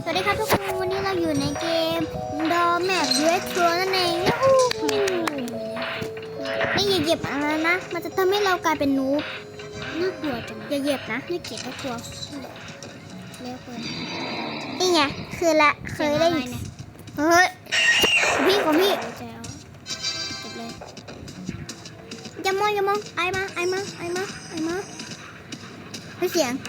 วัสดีครับทุกคนวันนี้เราอยู่ในเกมดอแมปเรทโรนั่นเองนี่อย่าเหยียบอะไรนะมันจะทำให้เรากลายเป็นนูบน่ากลัวจังอย่าเหยียบนะน่าเกลียดน่ากลัวเร็วเกินนี่ไงคือละเคยได้เฮ้ยของพี่เก็บเลยอย่ามองไอมาไม่เสียง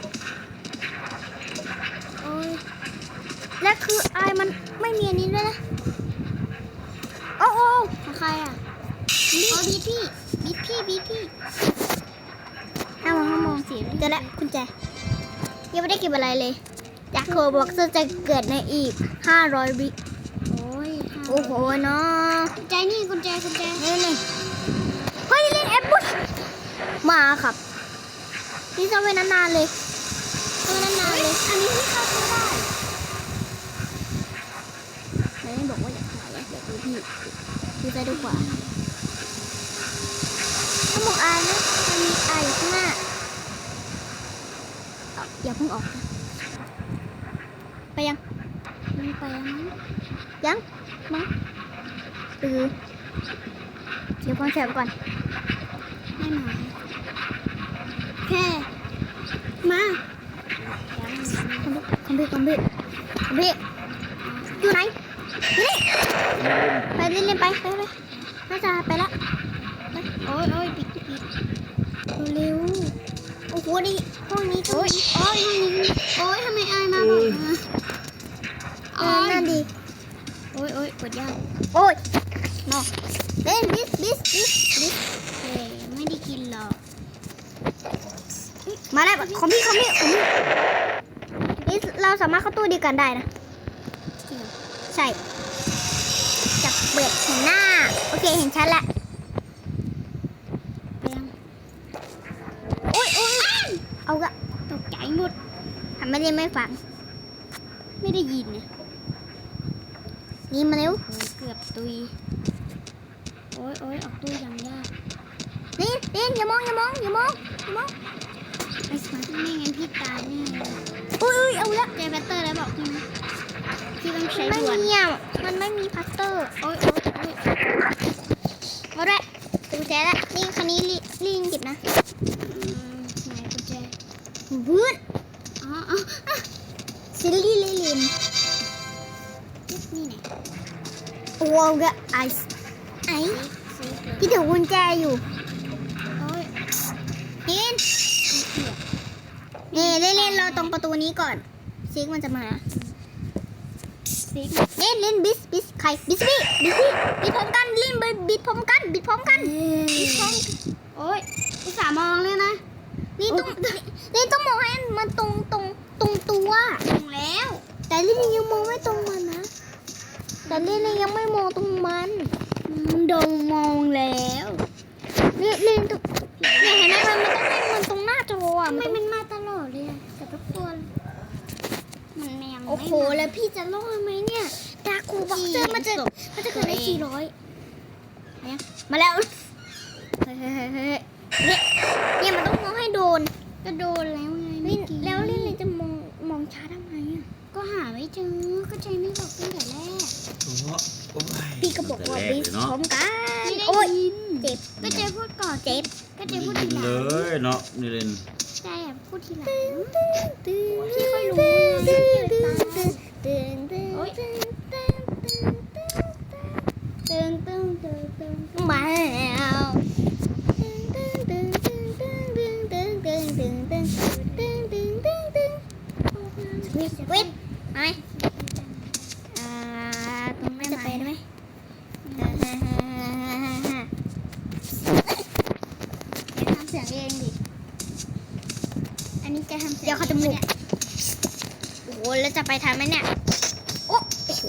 โอ้ยและคือไอมันไม่มีอันนี้ด้วยนะโอ้ของใครอ่ะบีพี่ห้ามองเสียงเจอแล้วกุญแจยังไม่ได้เก็บอะไรเลยจากโคบอกจะเกิดในอีก500 วิโอ้โหเนาะกุญแจนี่เฮ้ยเล่นแอปบุ๊ชมาครับนี่จะไว้นานๆเลยอันนี้ที่เข้าไม่ได้ไม่บอกว่าอยากถ่ายอยากดูพี่ดูใจดูกว่าถ้ามองอายนะมันมีอายอยู่ข้างหน้าอย่าเพิ่งออกนะไปยังยังมั้งเดี๋ยวก่อนแสบก่อนไม่มาแค่มาคอมพิวอยู่ไหนนี่ไปเล่นไปน่าจะไปละโอ้ยปิดเร็วโอ้โหนี่ห้องนี้ก็ห้องนี้ทำไมอายมาบอกนั่นดีโอ้ยกดยากโอ้ยนอกเล่นบิสไม่ได้กินหรอกมาแล้วของพี่นี่เราสามารถเข้าตู้ดีกันได้นะใช่จับเปิดเห็นหน้าโอเคเห็นชัดแล้วโอ้ยเอาละตกใจหมดทำไม่ได้ไม่ฟังไม่ได้ยินเนี่ยนี่มาเร็วเกือบตุยโอ้ยออกตู้ยังยากนี่อย่ามองไอ้สมาร์ทไม่งั้นพี่ตายแน่เอาละเจอแบตเตอร์แล้วบอกพี่นะพี่ต้องใช้ด่วนมันไม่มีพัตเตอร์โอ้ยเอาละกุญแจละนี่คันนี้ลิงเก็บนะไหนกุญแจวืดซิลลี่ลินนี่ไหนโอ้กะไอพี่ถือกุญแจอยู่นี่เล่นเราตรงประตูนี้ก่อนซิกมันจะมาเล่นบิสใครบิสพร้อมกันเล่นบิสพร้อมกันโอ้ยอุตส่าห์มองเลยนะนี่ต้องมองให้มันตรงตัวตรงแล้วแต่เล่นยังมองไม่ตรงมันนะแต่เล่นยังไม่มองตรงมันโดนมองแล้วเล่นตรงเนี่ยเห็นไหมมันต้องให้มันตรงหน้าจออ่ะมันมาตลอดเลยแต่ทุกคนมันยังโอ้โหแล้วพี่จะรอดไหมเนี่ยดาคูบ็อกเซอร์มันจะเกิดได้400มาแล้วเนี่ยมันต้องมองให้โดนก็โดนแล้วไงแล้วเล่นเลยจะมองช้าทำไมอ่ะก็หาไม่เจอก็ใจไม่บอกตั้งแต่แรกพี่ก็บอกว่าบิสพร้อมกันโอ้ยเจ็บก็เจพูดก่อนเจ็บก็เจพูดทีหลังเลยเนาะนี่เล่นใช่พูดทีหลังพี่ค่อยรู้มาแล้วสวิตไหมตรงนั้นจะไปได้ไหมทำเสียงเองดิอันนี้จะทำเสียงเดี๋ยวเขาจะมุกโอ้โหแล้วจะไปทันไหมเนี่ยโอ้โห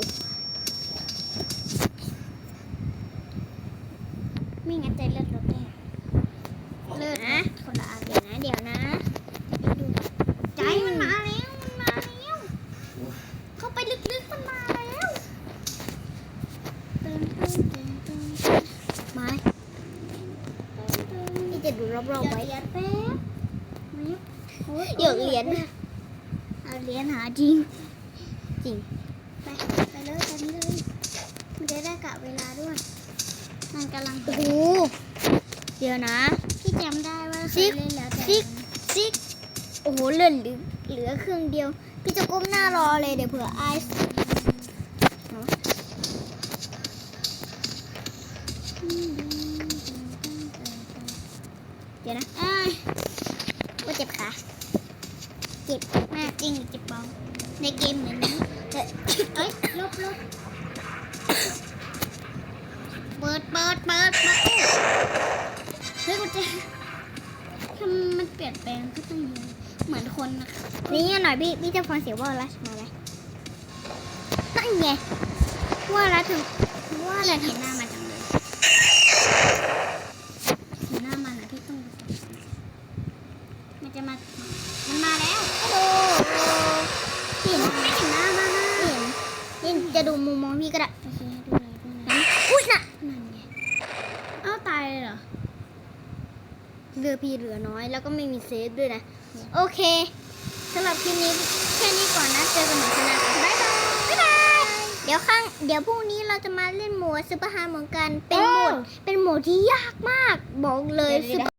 ไม่งั้นใจเลือดลดแน่เลือดนะคนละอันเดี๋ยวนะดูใจมันมาแล้วเข้าไปลึกๆมันมาแล้วมานี่จะดูรอบๆไว้เหยอะเหรียญเอาเหรียญหาจริงจริงไปเลยตอนนี้เลยมันจะได้กะเวลาด้วยมันกำลังโอ้โหเดี๋ยวนะพี่จำได้ว่าเคยเล่นแล้วแต่ซิกโอ้โหเหลือเครื่องเดียวพี่จะก้มหน้ารอเลยเดี๋ยวเผื่อไอซ์เดี๋ยวนะว่าเจ็บขาเจ็บมากจริงเจ็บเบาในเกมเหมือนนี้เอ้ยลบเปิดเฮ้ยกูจะทำมันเปลี่ยนแปลงก็ต้องเยอะเหมือนคนนะคะนี่หน่อยพี่จะฟังเสียงว่าอะไรมาไหมนั่นไงว่าแล้วถึงว่าอะไรเห็นหน้ามาจังเลยเห็นหน้ามันนะพี่ต้องมันจะมามันมาแล้วโอ้เห็นไม่เห็นหน้ามาเห็นจะดูมุมมองพี่ก็ได้โอเคดูอะไรอุ้ยน่ะนั่นไงเอ้าตายเลยเหรอเรือพี่เหลือน้อยแล้วก็ไม่มีเซฟด้วยนะโอเคสำหรับคลิปนี้แค่นี้ก่อนนะเจอกันใหม่ครั้งหน้าบ๊ายบายเดี๋ยวพรุ่งนี้เราจะมาเล่นโหมดซุปเปอร์ฮาร์ดเหมือนกันเป็นโหมดที่ยากมากบอกเลยซุปเปอร์